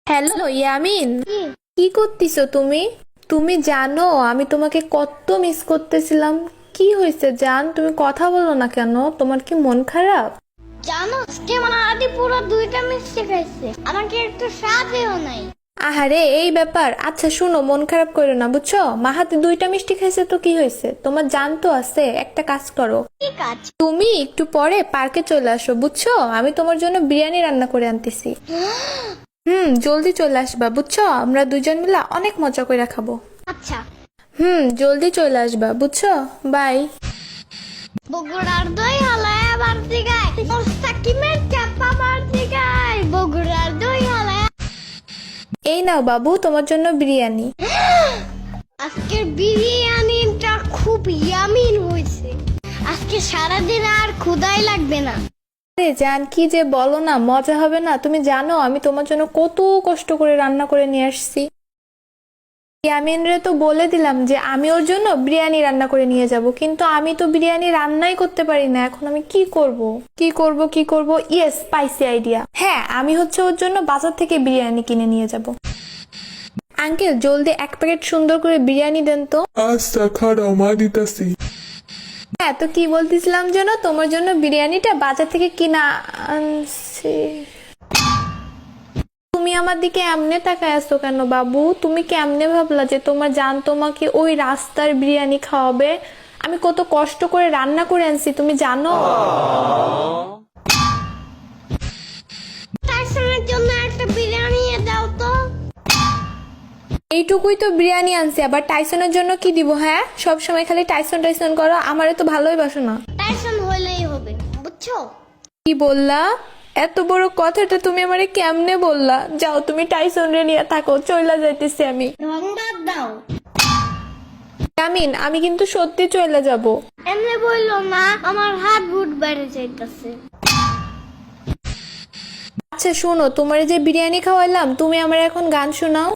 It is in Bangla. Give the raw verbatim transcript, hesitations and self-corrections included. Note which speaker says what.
Speaker 1: হ্যালো ইয়ামিন,
Speaker 2: কি?
Speaker 1: কি করতেছো তুমি? তুমি জানো আমি তোমাকে কত মিস করতেছিলাম। কি হয়েছে জান, তুমি কথা বলো না কেন? তোমার কি মন খারাপ?
Speaker 2: জানো আজকে মাহাদি পুরো দুইটা মিষ্টি খাইছে, আমাকে একটু সাথেও নাই।
Speaker 1: আহারে এই ব্যাপার। আচ্ছা শুনো, মন খারাপ করো না বুঝছো। মাহাতি দুইটা মিষ্টি খাইছে তো কি হয়েছে, তোমার জান তো আছে। একটা কাজ করো,
Speaker 2: কি কাজ?
Speaker 1: তুমি একটু পরে পার্কে চলে আসো বুঝছো। আমি তোমার জন্য বিরিয়ানি রান্না করে আনতেছি। হুম, জলদি চলে আসবা বুঝছো, আমরা দুজন মিলে অনেক মজা করে খাবো।
Speaker 2: আচ্ছা।
Speaker 1: হুম, জলদি চলে আসবা বুঝছো। বাই।
Speaker 2: বগুড়ার দই হালায় বাড়তি গায়, মোস্তাকিমের চাপা বাড়তি গায়, বগুড়ার দই হালায়।
Speaker 1: এই নাও বাবু, তোমার জন্য বিরিয়ানি।
Speaker 2: আজকের বিরিয়ানিটা খুব ইয়ামিন হয়েছে। আজকে সারাদিন আর ক্ষুধাই লাগবে না।
Speaker 1: আরে জান, কি যে বলো না, মজা হবে না? তুমি জানো আমি তোমার জন্য কত কষ্ট করে রান্না করে নিয়ে আসছি। ইয়ামিনরে তো বলে দিলাম যে আমি ওর জন্য বিরিয়ানি রান্না করে নিয়ে যাব, কিন্তু আমি তো বিরিয়ানি রান্নাই করতে পারি না। এখন আমি কি করব কি করব কি করব ইয়েস, পাইছি আইডিয়া। হ্যাঁ, আমি হচ্ছে ওর জন্য বাজার থেকে বিরিয়ানি কিনে নিয়ে যাব। আঙ্কেল, জলদি এক প্যাকেট সুন্দর করে বিরিয়ানি দেন তো।
Speaker 3: আচ্ছা খারাও মা দিতাছি।
Speaker 1: হ্যাঁ, তো কি বলতেছিলাম যেন, তোমার জন্য বিরিয়ানিটা বাজার থেকে কিনা আনছি। তুমি আমার দিকে এমনে তাকায় আছো কেন বাবু? তুমি কেমনে ভাবলা যে তোমার জান তোমাকে ওই রাস্তার বিরিয়ানি খাওয়াবে? আমি কত কষ্ট করে রান্না করে আনছি, তুমি জানো?
Speaker 2: টাইসনের জন্য একটা বিরিয়ানি দাও তো।
Speaker 1: এইটুকুই তো বিরিয়ানি আনছি, আবার টাইসনের জন্য কি দিব? হ্যাঁ, সব সময় খালি টাইসন টাইসন করো, আমারে তো ভালোই বাসো না।
Speaker 2: টাইসন হইলেই হবে, বুঝছো?
Speaker 1: কি বললা? এত বড় কথাটা তুমি আমারে কেমনে বললা? যাও, তুমি টাইসন রে নিয়ে থাকো, চইলা যাইতেছি আমি।
Speaker 2: ধন্যবাদ দাও।
Speaker 1: আমিন, আমি কিন্তু সত্যি চলে যাব।
Speaker 2: এমনি বললো না, আমার হাত বুট বেড়ে যাইতাছে।
Speaker 1: আচ্ছা শোনো, তোমার যে বিরিয়ানি খাওয়াইলাম, তুমি আমার এখন গান শোনাও।